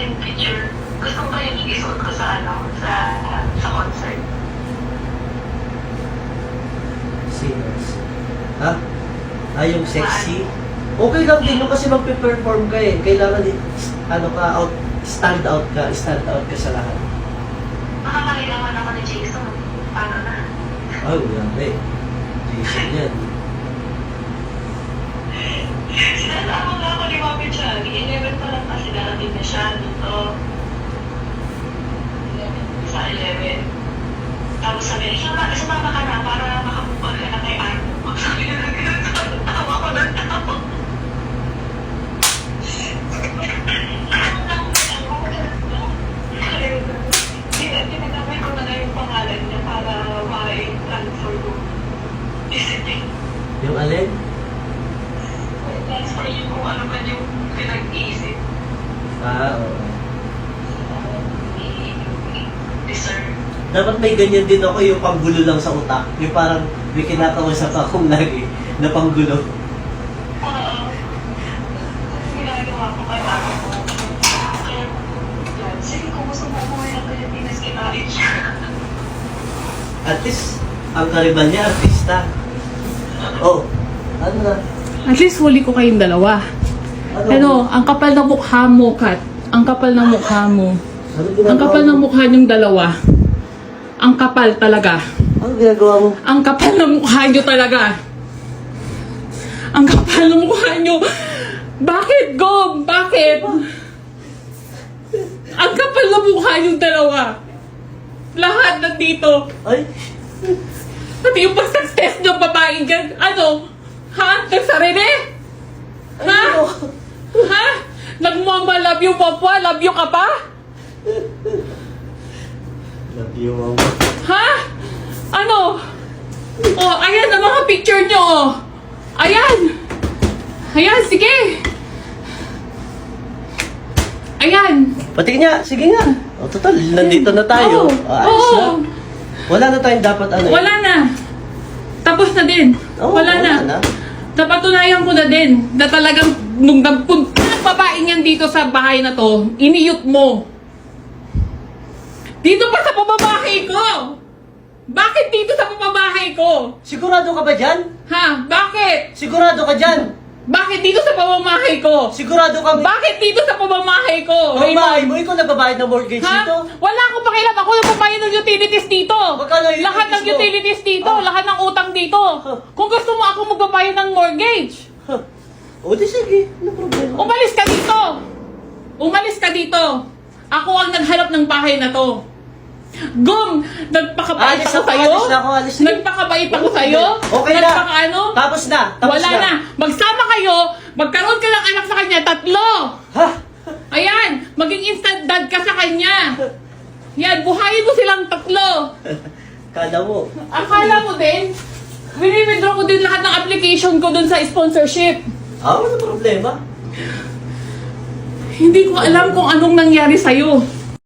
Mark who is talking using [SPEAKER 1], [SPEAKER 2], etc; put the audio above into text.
[SPEAKER 1] kasing picture. Gusto ko yung isuot ko sa sa concert.
[SPEAKER 2] Singers. Ha? Yung sexy? Okay lang din yun kasi magpe-perform ka eh. Kailangan stand out ka sa lahat.
[SPEAKER 1] Makakailangan ako ni Jason. Paano na?
[SPEAKER 2] Oh, grabe. Jason yan.
[SPEAKER 1] Sinasama nga ako ni Mami Chag. 11 pa lang kasi darating na siya dito. Sa 11. Tapos sabi niya, sumama ka na para makapupag ka na kay Arno. Sabi niya na gano'n. Tawa ko ng tawa. Tinagamay ko na nga yung pangalan niya para ma-transfer ko. Isipin.
[SPEAKER 2] Yung alin?
[SPEAKER 1] Transfer yung kung ano ba yung pinag-iisip.
[SPEAKER 2] Oo.
[SPEAKER 1] Deserve.
[SPEAKER 2] Dapat may ganyan din ako yung panggulo lang sa utak. Yung parang may kinakausap akong lagi na panggulo.
[SPEAKER 1] Oo. Ginagawa ko kay ako. Kaya, yan. Sige, kung gusto mo umuwi ng Pilipinas, kinalit siya.
[SPEAKER 2] At least, ang karibal niya, artista. Oh, ano na?
[SPEAKER 3] At least huli ko kayong dalawa. Ano, ang kapal ng mukha mo, Kat. Ang kapal ng mukha mo. Ang kapal ng mukha niyong dalawa. Ang kapal talaga.
[SPEAKER 2] Ano ginagawa mo?
[SPEAKER 3] Ang kapal ng mukha niyo talaga. Ang kapal ng mukha niyo. Bakit, Gob? Bakit? Ang kapal ng mukha niyong dalawa. Lahat nandito.
[SPEAKER 2] Ay,
[SPEAKER 3] Pati yung pag-success ng babae dyan. Ano? Ha? Nagsarili? Ha?
[SPEAKER 2] ano?
[SPEAKER 3] Ha? Nagmama love you, Papa? Love you ka pa?
[SPEAKER 2] Love you, mama.
[SPEAKER 3] Ha? Ano? Oh, ayan ang mga picture nyo, oh. Ayan. Ayan, sige. Ayan.
[SPEAKER 2] Pati nga, sige nga. O, total, nandito na tayo.
[SPEAKER 3] Oo.
[SPEAKER 2] Ayos na.
[SPEAKER 3] Oo.
[SPEAKER 2] Wala na tayong dapat ano.
[SPEAKER 3] Wala na. Tapos na din.
[SPEAKER 2] Oo,
[SPEAKER 3] wala na. Napatunayan ko na din na talagang nung nagpunta ng babae niyan dito sa bahay na to, iniyot mo. Dito pa sa pamamahay ko! Bakit dito sa pamamahay ko?
[SPEAKER 2] Sigurado ka ba dyan?
[SPEAKER 3] Ha? Bakit?
[SPEAKER 2] Sigurado ka dyan?
[SPEAKER 3] Bakit dito sa pamamahay ko?
[SPEAKER 2] Sigurado ka ba?
[SPEAKER 3] Bakit dito sa pamamahay ko?
[SPEAKER 2] Bahay mo, ikaw nagbabayad ng mortgage
[SPEAKER 3] Ha?
[SPEAKER 2] dito?
[SPEAKER 3] Wala akong pakialam. Ako nagpapayin ng utilities dito.
[SPEAKER 2] Magkano yung
[SPEAKER 3] Lahat ng
[SPEAKER 2] utilities mo?
[SPEAKER 3] utilities dito.
[SPEAKER 2] Ah.
[SPEAKER 3] Lahat ng utang dito.
[SPEAKER 2] Huh.
[SPEAKER 3] Kung gusto mo ako magpapayin ng mortgage,
[SPEAKER 2] Huh. O di sige, ano problema?
[SPEAKER 3] umalis ka dito. Umalis ka dito. Ako ang naghanap ng bahay na to. Gum, nagpakabait
[SPEAKER 2] Alis
[SPEAKER 3] ako
[SPEAKER 2] ako,
[SPEAKER 3] sa'yo.
[SPEAKER 2] alis na ako, alis na.
[SPEAKER 3] Nagpakabait ako sa'yo.
[SPEAKER 2] Okay na.
[SPEAKER 3] Nagpakaano?
[SPEAKER 2] Tapos na. Tapos
[SPEAKER 3] Wala na. Magsama kayo. Magkaroon ka ng anak sa kanya. 3.
[SPEAKER 2] Ha?
[SPEAKER 3] Ayan. Maging instant dad ka sa kanya. Yan. Buhayin mo silang 3.
[SPEAKER 2] Kala mo.
[SPEAKER 3] Akala mo din, wini-withdraw ko din lahat ng application ko dun sa sponsorship.
[SPEAKER 2] Wala problema.
[SPEAKER 3] Hindi ko alam kung anong nangyari sa'yo.